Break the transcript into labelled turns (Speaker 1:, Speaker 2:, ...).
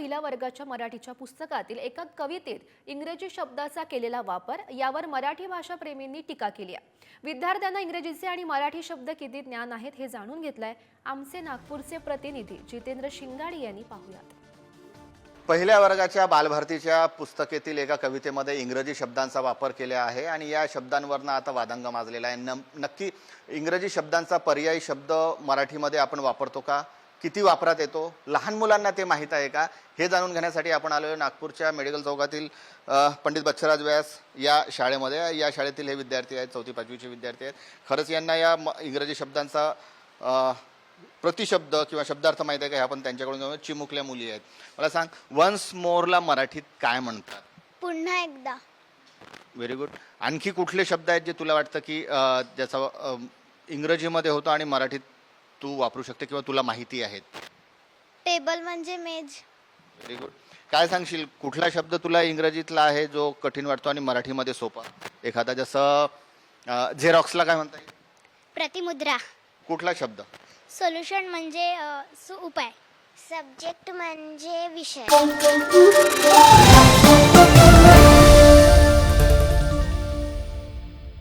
Speaker 1: पहिल्या वर्गाच्या मराठीच्या पुस्तकातील एका कवितेत इंग्रजी शब्दाचा केलेला वापर यावर मराठी भाषा प्रेमींनी टीका केली आहे। विद्यार्थ्यांना इंग्रजीचे आणि मराठी शब्द किती ज्ञान आहेत हे जाणून घेतलंय आमचे नागपूरचे प्रतिनिधी जितेंद्र शिंगाडी यांनी। पाहूयात।
Speaker 2: पहिल्या वर्गाच्या बालभारतीच्या पुस्तकेतील एका कवितेमध्ये इंग्रजी शब्दांचा वापर केला आहे आणि या शब्दांवरनं आता वादंग माजलेला आहे। नक्की इंग्रजी शब्दांचा पर्यायी शब्द मराठीमध्ये आपण वापरतो का, किती वापरात येतो, लहान मुलांना ते माहीत आहे का, हे जाणून घेण्यासाठी आपण आलोय नागपूरच्या मेडिकल चौकातील पंडित बच्छराज व्यास या शाळेमध्ये। या शाळेतील हे विद्यार्थी आहेत, 4वी 5वीचे विद्यार्थी आहेत। खरंच यांना या इंग्रजी शब्दांचा प्रतिशब्द किंवा शब्दार्थ माहिती आहे का, आपण त्यांच्याकडून जाऊन। चिमुकल्या मुली आहेत, मला सांग वन्स मोरला मराठीत काय म्हणतात?
Speaker 3: पुन्हा एकदा।
Speaker 2: Very good. आणखी कुठले शब्द आहेत जे तुला वाटतं की ज्याचा इंग्रजीमध्ये होतो आणि मराठीत तू वापरू शकते किंवा तुला माहिती आहेत?
Speaker 3: टेबल म्हणजे मेज।
Speaker 2: Very good. काय सांगशील कुठला शब्द तुला इंग्रजीतला आहे जो कठीण वाटतो आणि मराठीमध्ये सोपा एखादा? जसं झेरॉक्सला काय म्हणता येईल?
Speaker 3: प्रतिमुद्रा।
Speaker 2: कुठला शब्द?
Speaker 3: सोल्युशन म्हणजे उपाय। सब्जेक्ट म्हणजे विषय।